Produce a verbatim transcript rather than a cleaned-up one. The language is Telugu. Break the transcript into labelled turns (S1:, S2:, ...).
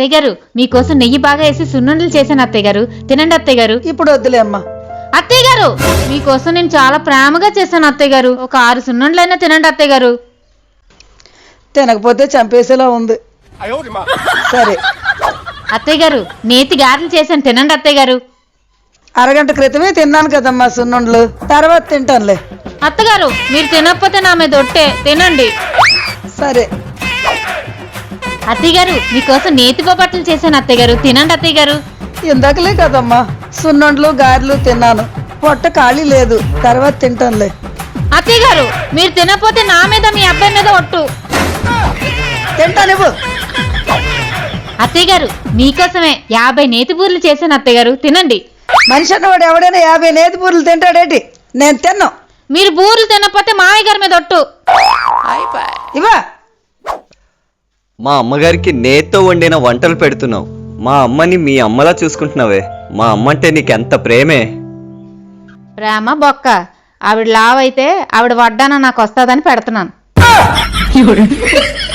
S1: అత్తయ్య గారు మీకోసం నెయ్యి బాగా వేసి సున్నుండలు చేశాను అత్తయ్య గారు, తినండి అత్తయ్య గారు.
S2: ఇప్పుడు వద్దులే అమ్మా.
S1: అత్తయ్య గారు మీకోసం నేను చాలా ప్రేమగా చేశాను అత్తయ్య గారు, ఒక ఆరు సున్నుండలైనా తినండి అత్తయ్య గారు.
S2: తినకపోతే చంపేసేలా ఉంది. సరే
S1: అత్తయ్య గారు నేతి గారెలు చేశాను, తినండి అత్తయ్య గారు.
S2: అరగంట క్రితమే తిన్నాను కదమ్మా సున్నుండలు, తర్వాత తింటానులే.
S1: అత్తగారు మీరు తినకపోతే నా మీద ఒట్టే, తినండి.
S2: సరే
S1: అత్తయ్య గారు మీకోసం నేతి బొబ్బట్లు చేశాను అత్తయ్య గారు, తినండి అత్తయ్య గారు.
S2: ఇందాకలే కదమ్మా సున్నుండలు గారెలు తిన్నాను, పొట్ట ఖాళీ లేదు, తర్వాత తింటానులే.
S1: అత్తయ్య గారు మీరు తినకపోతే నా మీద మీ అబ్బాయి మీద ఒట్టు.
S2: తింటానివ్వు.
S1: అత్తయ్య గారు మీకోసమే యాభై నేతి బూరెలు చేశాను అత్తయ్య గారు, తినండి.
S2: మనిషి అన్నవాడు ఎవడైనా యాభై నేతి బూరెలు తింటాడేంటి? నేను తిన్నా.
S1: మీరు బూరెలు తినకపోతే మామయ్య గారి మీద ఒట్టు.
S2: ఇవా
S3: మా అమ్మగారికి నేత్తో వండిన వంటలు పెడుతున్నావు, మా అమ్మని మీ అమ్మలా చూసుకుంటున్నావే. మా అమ్మ అంటే నీకెంత ప్రేమే.
S1: ప్రేమ బొక్క, ఆవిడ లావైతే ఆవిడ వడ్డాన నాకు వస్తుందని పెడుతున్నాను.